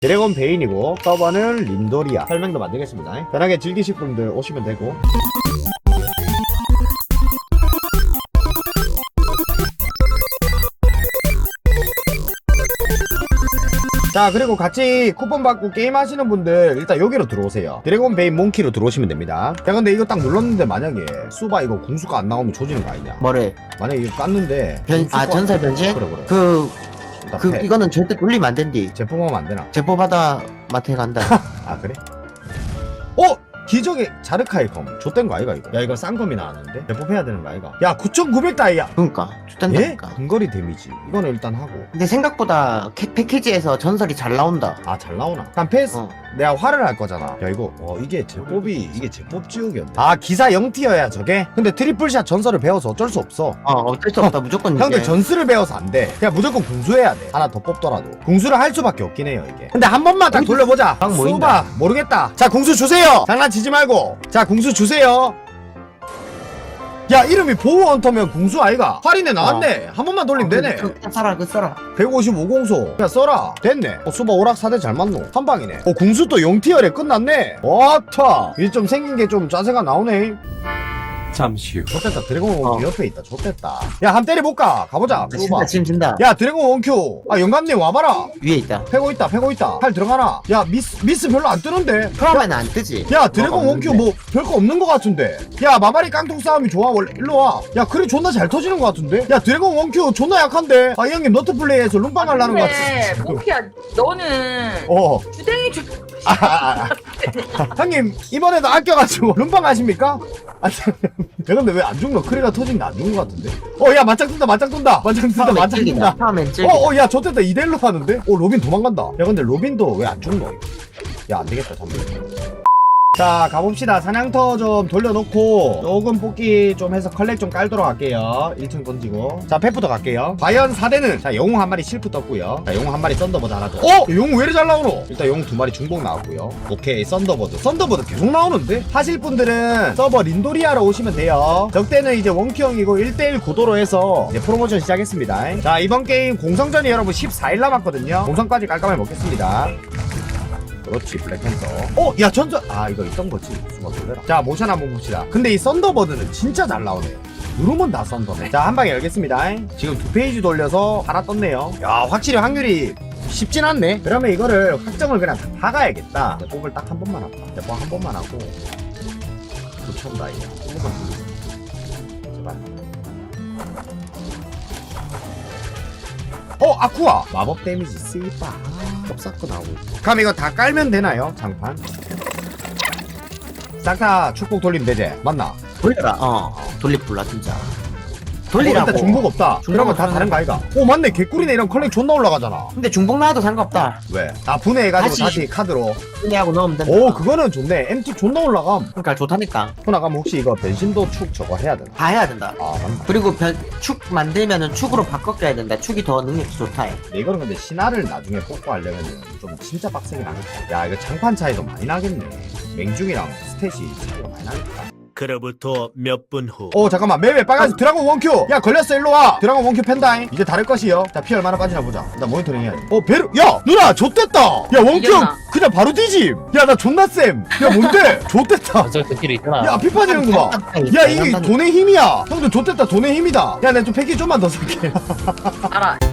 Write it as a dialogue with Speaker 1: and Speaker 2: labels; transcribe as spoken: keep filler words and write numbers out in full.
Speaker 1: 드래곤 베인이고 서버는 린도리아. 설명도 만들겠습니다. 편하게 즐기실 분들 오시면 되고. 자, 그리고 같이 쿠폰 받고 게임 하시는 분들 일단 여기로 들어오세요. 드래곤 베인 몽키로 들어오시면 됩니다. 야, 근데 이거 딱 눌렀는데 만약에 수바 이거 궁수가 안 나오면 조지는 거 아니냐?
Speaker 2: 뭐래?
Speaker 1: 만약에 이거 깠는데
Speaker 2: 변, 아
Speaker 1: 궁수가-
Speaker 2: 전설 변신?
Speaker 1: 그래 그래.
Speaker 2: 그,
Speaker 1: 일단
Speaker 2: 그
Speaker 1: 패.
Speaker 2: 이거는 절대 돌리면 안 된디.
Speaker 1: 제품하면 안 되나?
Speaker 2: 제보받아 마트에 간다.
Speaker 1: 아, 그래? 어? 기적의 자르카의 검. 좆된 거 아이가 이거? 야, 이거 싼 검이 나왔는데? 제법해야 되는 거 아이가? 야, 구천구백 다이야.
Speaker 2: 그러니까
Speaker 1: 예?
Speaker 2: 좋단다니까.
Speaker 1: 근거리 데미지. 이거는 일단 하고.
Speaker 2: 근데 생각보다 캐, 패키지에서 전설이 잘 나온다.
Speaker 1: 아, 잘 나오나? 일단 패스.
Speaker 2: 어.
Speaker 1: 내가 화를 할 거잖아. 야, 이거 어 이게 제법이 이게 제법 지우개였네. 아, 기사 영 티어야 저게? 근데 트리플샷 전설을 배워서 어쩔 수 없어.
Speaker 2: 어 어쩔 수 없다. 무조건
Speaker 1: 형들
Speaker 2: 이제.
Speaker 1: 전술을 배워서 안 돼. 그냥 무조건 궁수해야 돼. 하나 더 뽑더라도. 궁수를 할 수밖에 없긴 해요, 이게. 근데 한 번만 딱 돌려보자.
Speaker 2: 막 모인다.
Speaker 1: 수바, 모르겠다. 자, 궁수 주세요. 장난치지 말고. 자, 궁수 주세요. 야, 이름이 보호 헌터면 궁수 아이가? 할인에 나왔네. 한 번만 돌리면 되네.
Speaker 2: 그, 그 써라 그 써라.
Speaker 1: 백오십오 공소. 야, 써라. 됐네. 어, 수바 오락 사대 잘 맞노. 한 방이네. 어, 궁수 또 영 티어래 끝났네. 와타. 이제 좀 생긴 게 좀 짜세가 나오네.
Speaker 3: 잠시 후
Speaker 1: 좋됐다. 드래곤 원큐
Speaker 2: 어.
Speaker 1: 옆에 있다. 좋됐다. 야, 한 때려볼까? 가보자.
Speaker 2: 진다
Speaker 1: 수바.
Speaker 2: 지금 진다.
Speaker 1: 야, 드래곤 원큐. 아, 영감님 와봐라.
Speaker 2: 위에 있다.
Speaker 1: 패고 있다. 패고 있다. 팔 들어가나? 야, 미스 미스 별로 안 뜨는데.
Speaker 2: 처음에는 안 뜨지.
Speaker 1: 야, 드래곤
Speaker 2: 어,
Speaker 1: 원큐
Speaker 2: 없는데.
Speaker 1: 뭐 별거 없는 것 같은데. 야, 마마리 깡통 싸움이 좋아. 원래 일로 와. 야, 그래 존나 잘 터지는 것 같은데. 야, 드래곤 원큐 존나 약한데. 아, 이 형님 너트 플레이에서 룸빵 하려는 것
Speaker 4: 근데
Speaker 1: 같아.
Speaker 4: 몽키야 너는
Speaker 1: 어.
Speaker 4: 주댕이 주
Speaker 1: 아, 아, 아. 형님 이번에도 아껴가지고 룸빵 하십니까? 아니, 야, 근데 왜 안 죽노? 크리가 터진데 안 죽는 것 같은데? 어, 야, 맞짱 뜬다, 맞짱 뜬다, 맞짱 뜬다,
Speaker 2: 처음엔
Speaker 1: 맞짱
Speaker 2: 찔기다.
Speaker 1: 뜬다.
Speaker 2: 처음엔 찔기다.
Speaker 1: 어, 어, 야, 저때다 이 대 일로 하는데? 어, 로빈 도망간다. 야, 근데 로빈도 왜 안 죽노? 야, 안 되겠다, 잠깐만. 자, 가봅시다. 사냥터 좀 돌려놓고 조금 뽑기 좀 해서 컬렉 좀 깔도록 할게요. 일 층 던지고. 자, 페프터 갈게요. 과연 사 대는 자, 영웅 한 마리 실프 떴고요. 자, 영웅 한 마리 썬더버드 하나 더. 어? 영웅 왜 이리 잘 나오노? 일단 영웅 두 마리 중복 나왔고요. 오케이, 썬더버드. 썬더버드 계속 나오는데? 하실 분들은 서버 린도리아로 오시면 돼요. 적대는 이제 원큐형이고 일 대 일 구도로 해서 이제 프로모션 시작했습니다. 자, 이번 게임 공성전이 여러분 십사 일 남았거든요. 공성까지 깔끔하게 먹겠습니다. 그렇지, 블랙팬서. 어, 야, 전전. 아, 이거 있던 거지. 수가 놀래라. 자, 모션 한번 봅시다. 근데 이 썬더버드는 진짜 잘 나오네. 누르면 다 썬더네. 자, 한 방에 열겠습니다. 지금 두 페이지 돌려서 하나 떴네요. 야, 확실히 확률이 쉽진 않네. 그러면 이거를 확정을 그냥 다 박아야겠다. 뽑을 딱 한 번만 할까? 대포 한 번만 하고. 붙였다, 이거. 한 번만 돌리자. 제발. 어, 아쿠아! 마법 데미지 쓰이빠. kop사코 나오고 있고. 그럼 이거 다 깔면 되나요? 장판? 싹 다 축복 돌리면 되지? 맞나?
Speaker 2: 돌려라. 어 돌리 불라 진짜.
Speaker 1: 어,
Speaker 2: 돌리라고.
Speaker 1: 일단 중복 없다.
Speaker 2: 중복
Speaker 1: 그러면 다
Speaker 2: 없다는
Speaker 1: 다른 거 아이가? 오, 맞네. 개꿀이네. 이런 컬렉 존나 올라가잖아.
Speaker 2: 근데 중복 나와도 상관없다.
Speaker 1: 왜? 아, 분해해가지고 다시,
Speaker 2: 다시.
Speaker 1: 카드로.
Speaker 2: 분해하고 넣으면 된다.
Speaker 1: 오, 그거는 좋네. 엠티 존나 올라감.
Speaker 2: 그러니까 좋다니까.
Speaker 1: 호나가면 혹시 이거 변신도 축 저거 해야 되나?
Speaker 2: 다 해야 된다.
Speaker 1: 아, 맞나?
Speaker 2: 그리고 변, 축 만들면은 축으로 바꿔 껴야 된다. 축이 더 능력이 좋다 해.
Speaker 1: 근데 이거는 근데 신화를 나중에 뽑고 하려면 좀 진짜 빡세긴 하겠다. 야, 이거 장판 차이도 많이 나겠네. 맹중이랑 스탯이 차이가 많이 나겠다.
Speaker 3: 그로부터 몇 분 후
Speaker 1: 오, 잠깐만. 매매 빨간색 드라곤 원큐. 야, 걸렸어. 일로 와. 드라곤 원큐 펜다잉. 이제 다를 것이요. 자, 피 얼마나 빠지나 보자. 나 모니터링 해야지. 어, 베르. 야, 누나 좆됐다. 야, 원큐
Speaker 4: 이겼나?
Speaker 1: 그냥 바로 뒤짐. 야, 나 존나 쌤. 야, 뭔데? 좆됐다.
Speaker 5: 저 스킬이 있잖아.
Speaker 1: 야, 피 빠지는구만. 야, 이게 돈의 힘이야. 형들 좆됐다. 돈의 힘이다. 야, 내가 좀 패키 좀만 더 살게.
Speaker 4: 알아.